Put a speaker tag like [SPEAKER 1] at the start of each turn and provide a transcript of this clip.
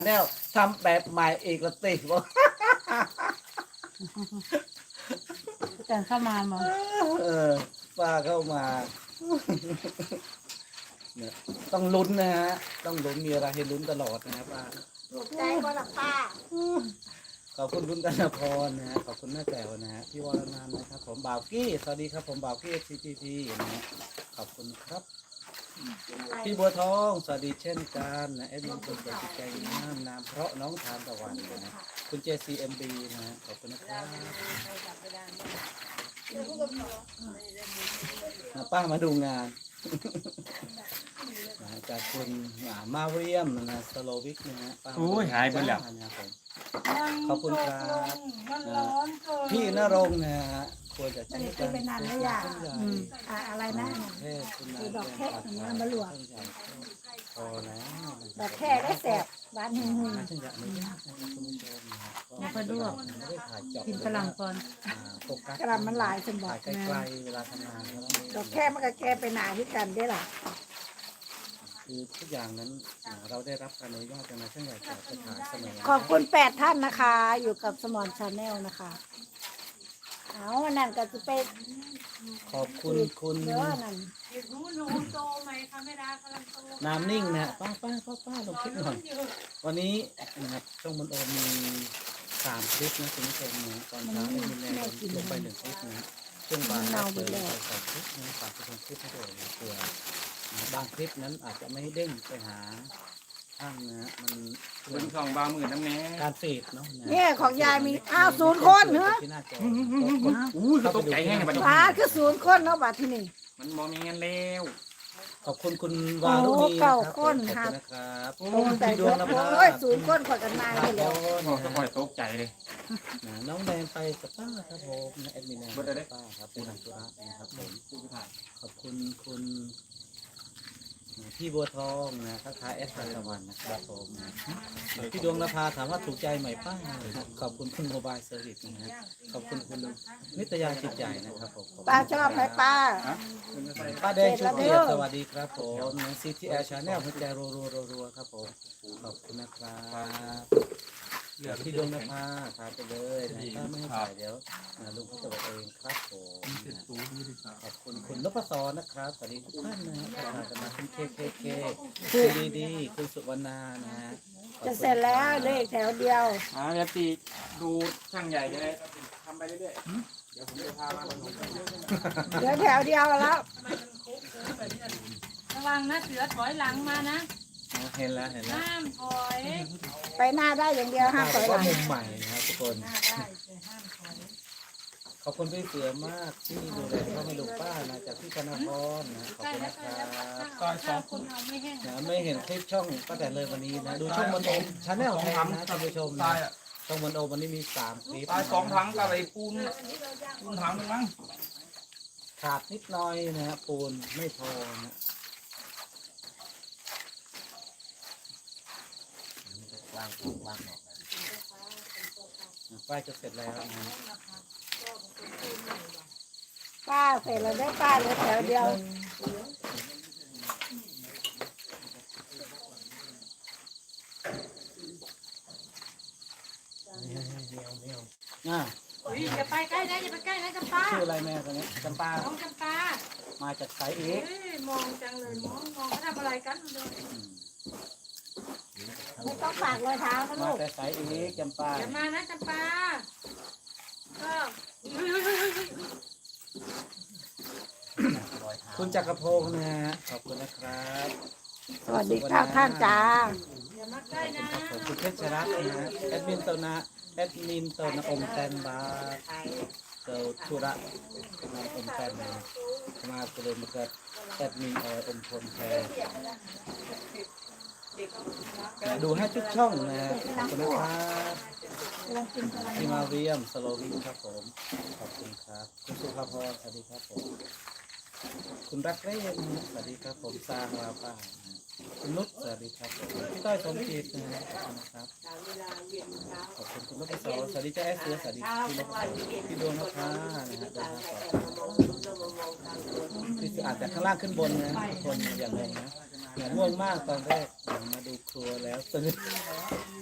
[SPEAKER 1] แนวทำแบบใหม่อีกละติบอก
[SPEAKER 2] แต่เข้ามามา
[SPEAKER 1] ป้าเข้ามาเนี่ยต้องลุ้นนะฮะต้องลุ้นมีอะไรให้ลุ้นตลอดนะป้า
[SPEAKER 3] ถูกใจก็ละป้า
[SPEAKER 1] ขอบคุณคุณกัญพรนะฮะขอบคุณแม่แจ๋วนะฮะพี่วรนันท์นะครับผมบ่าวกี้สวัสดีครับผมบ่าวกี้ CPP นะฮะขอบคุณครับพี่บัวทองสวัสดีเช่นกันนะเอ็มมินคนสวยจิตใจงามนามเพราะน้องทานตะวันนะคุณ JCMB นะฮะขอบคุณนะครับป้ามาดูงานจากคุณมาเรียมนะสโลวิกนะฮะป้า
[SPEAKER 4] โอ้ยหายไปแล้ว
[SPEAKER 1] นะครับผมขอบคุณครับ
[SPEAKER 2] มันร้อนเกิน
[SPEAKER 1] พี่ณรงค์นะฮะควรจะ
[SPEAKER 3] ไม่ได้กินไปนานแล้วอย่าอะไรนะ
[SPEAKER 1] เทศคุณนาย
[SPEAKER 3] ดอกแค่ของน้ำมะหลวง
[SPEAKER 1] พอแล้ว
[SPEAKER 3] ดอกแค่ได้แสบบ้านหึ่ง
[SPEAKER 1] ฉันอยากไม่ได้คุณผู้ชมนะครับ
[SPEAKER 2] ไม่ค่อยดวก
[SPEAKER 1] ไม่ได้ถ่ายเจาะ
[SPEAKER 2] กินกระหลำก่อน
[SPEAKER 1] โฟกัส
[SPEAKER 3] กระลำมันหลายสมบั
[SPEAKER 1] ถ่าย
[SPEAKER 3] ติ
[SPEAKER 1] ไกลๆเวลาทำงานแล้ว
[SPEAKER 3] ดอกแค่มันก็แก้ไปหนาที่กันได้ล่ะ
[SPEAKER 1] คือทุกอย่างนั้นเราได้รับการอนุญาตจากนายช่างใหญ่จากสถานเสนอ
[SPEAKER 3] ขอบคุณ8 ท่านนะคะ อยู่กับสมอนชาแนลนะคะเอาอันนั่นก็จะไป
[SPEAKER 1] ขอบคุณคุณ
[SPEAKER 3] เยอะนั่น
[SPEAKER 2] หนูโตไหมคะไม่ได้กำลังโต
[SPEAKER 1] น้ำนิ่งนะป้าลงคลิปหน่อยวันนี้นะครับช่องมนโอมี3 คลิปนะคุณผู้ชมนะตอนเช้าได้มีแรงลงไป1 คลิปนะช่วงบ่ายเราเติมไป2 คลิปนะฝากผู้ชมคลิปให้ด้วยนะเผื่อบางคลิปนั้นอาจจะไม่เด้งไปหาท่านนะมัน
[SPEAKER 4] เบิ่งช่องบาหมื่นน้ำแน่
[SPEAKER 1] การฟีดเนาะ
[SPEAKER 3] เนี่ยของยายมี0 คนเนอะ
[SPEAKER 1] ที่หน้าจอ
[SPEAKER 4] อู้ยเขาตกใจแห้งในบัดนี้
[SPEAKER 3] ป้าคือ0 คนเนาะบัดที่นี่
[SPEAKER 4] มันมองมีเงินแล้ว
[SPEAKER 1] ขอบคุณคุณวารุณีนะครับขอบคุณนะครับ
[SPEAKER 3] โอ้แต่
[SPEAKER 1] พี่ด
[SPEAKER 3] เยว
[SPEAKER 1] ง
[SPEAKER 3] อะ
[SPEAKER 1] นะค
[SPEAKER 3] โอ้
[SPEAKER 1] รั
[SPEAKER 3] ย0 คนกว่ากันมา
[SPEAKER 1] ค
[SPEAKER 3] เลย
[SPEAKER 1] รั
[SPEAKER 3] แล้
[SPEAKER 1] บ
[SPEAKER 3] ว
[SPEAKER 4] โอ้จะคอยตกใจเลย
[SPEAKER 1] น้องแดนไปกับป้าครับผมนะแอดมินแดนกับป้าครับเป็นนักธุระนะครับผม
[SPEAKER 4] ผู้ถ่าย
[SPEAKER 1] ขอบคุณคุณพี่บัวทองนะทักทายเอสตะวันนะครับผมพี่ดวงนภาถามว่าถูกใจไหมป้าขอบคุณคุณโมบายเซอร์วิสนะฮะขอบคุณคุณนิตยาจิตใหญ่นะครับผม
[SPEAKER 3] ป้าชอบไหมป้า
[SPEAKER 1] ป้าแดงชุดเกียรติสวัสดีครับผมนะ CTL Channel หัวใจรัวๆครับผมขอบคุณนะครับเดี๋ยวพี่ดวงนภาพาไปเลยนะถ้าไม่ให้ถ่ายเดี๋ยวลุงเขาจะบอกเองครับผมขอบคุณคุณนพศรนะครับสวัสดีทุกท่านนะครับจะมาคุณเคคุณดีคุณสุวรรณานะฮะ
[SPEAKER 3] จะเสร็จแล้วเลขแถวเดียว
[SPEAKER 4] เดี๋ยวตีดูช่างใหญ่จะได้ทำไปเรื่อยๆเดี๋ยวผมจะพามาบนหัว
[SPEAKER 3] เหลือแถวเดียวแล้ว
[SPEAKER 2] ระวังนะเสือถอยหลังมานะ
[SPEAKER 1] เห็นแล้ว
[SPEAKER 2] ห้ามถอย
[SPEAKER 3] ไปหน้าได้อย่างเดียวห้ามถอยห
[SPEAKER 1] ว่า
[SPEAKER 3] ลัง
[SPEAKER 1] มุมใหม่นะครับทุกคน
[SPEAKER 2] ได้แต่ห้ามถอย
[SPEAKER 1] ขอบคุณพี่เสือมากที่ดูแลพ่อไม่ดูป้านะจากพี่ธนพรนะขอบ
[SPEAKER 2] ใกล้
[SPEAKER 1] คุณ
[SPEAKER 2] แล้
[SPEAKER 1] นะ
[SPEAKER 2] ว
[SPEAKER 1] ค
[SPEAKER 2] ใกล้
[SPEAKER 1] รั
[SPEAKER 2] แล้ว
[SPEAKER 1] บ
[SPEAKER 2] ถ้าคนเอาไม่แห้ง
[SPEAKER 1] นะไม่เห็นคลิปช่องป้าแต่เลยวันนี้นะดูช่องมันโอมชาแนลแทนนะท่านผู้ชมนะช่องมันโอมวันนี้มี3 คลิป
[SPEAKER 4] ตาย2 ถังกับไอ้ปูนถังนึงมั้ง
[SPEAKER 1] ขาดนิดหน่อยนะฮะปูนไม่พอนะป้ายจะเสร็จแล้วนะ
[SPEAKER 3] ป้าเสร็จแล้วได้ป้าเหลือแถวเดียว
[SPEAKER 1] อ่า
[SPEAKER 2] อย่าไปใกล้นะอย่าไปใกล้นะจำปา
[SPEAKER 1] ชื่ออะไรแม่คนนี้จำปา
[SPEAKER 2] น้องจำปา
[SPEAKER 1] มาจากสายเอ
[SPEAKER 2] เอ้
[SPEAKER 1] ก
[SPEAKER 2] ยมองจังเลยมองเขาทำอะไรกันเลย
[SPEAKER 3] ไม่ต้องฝากรอยเท้านะ
[SPEAKER 1] มา
[SPEAKER 3] ลูก
[SPEAKER 1] แต่สายเอกจำปา
[SPEAKER 2] อย่ามานะจำปาก็
[SPEAKER 1] คุณจักรพงศ์นะฮะขอบคุณนะครับ
[SPEAKER 3] สวัสดีครับท่านจ้า
[SPEAKER 2] อย่ามาใกล้นะ
[SPEAKER 1] ขอบคุณเพชรรัตน์นะฮะแอดมินเตอร์นะอมแตนบาเตอร์ธุระนำอมแตนมาเกลือมาเกิดแอดมินอมพลแพรดูให้ทุกช่องนะฮะขอบคุณนะครับที่มาเรียมสโลวินครับผมขอบคุณครับคุณสุภาพรสวัสดีครับผมคุณรักเล่นสวัสดีครับผมสร้างวาป้าคุณนุชสวัสดีครับผมพี่ต้อยสมจิตนะครับขอบคุณคุณนพศรสวัสดีเจ้าแอสเสือสวัสดีพี่นพศรพี่ดวงนภานะฮะเดินทางปลอดภัยพี่อาจจะข้างล่างขึ้นบนนะทุกคนอย่างงงนะง่วงมากตอนแรกมาดูครัวแล้วตื่น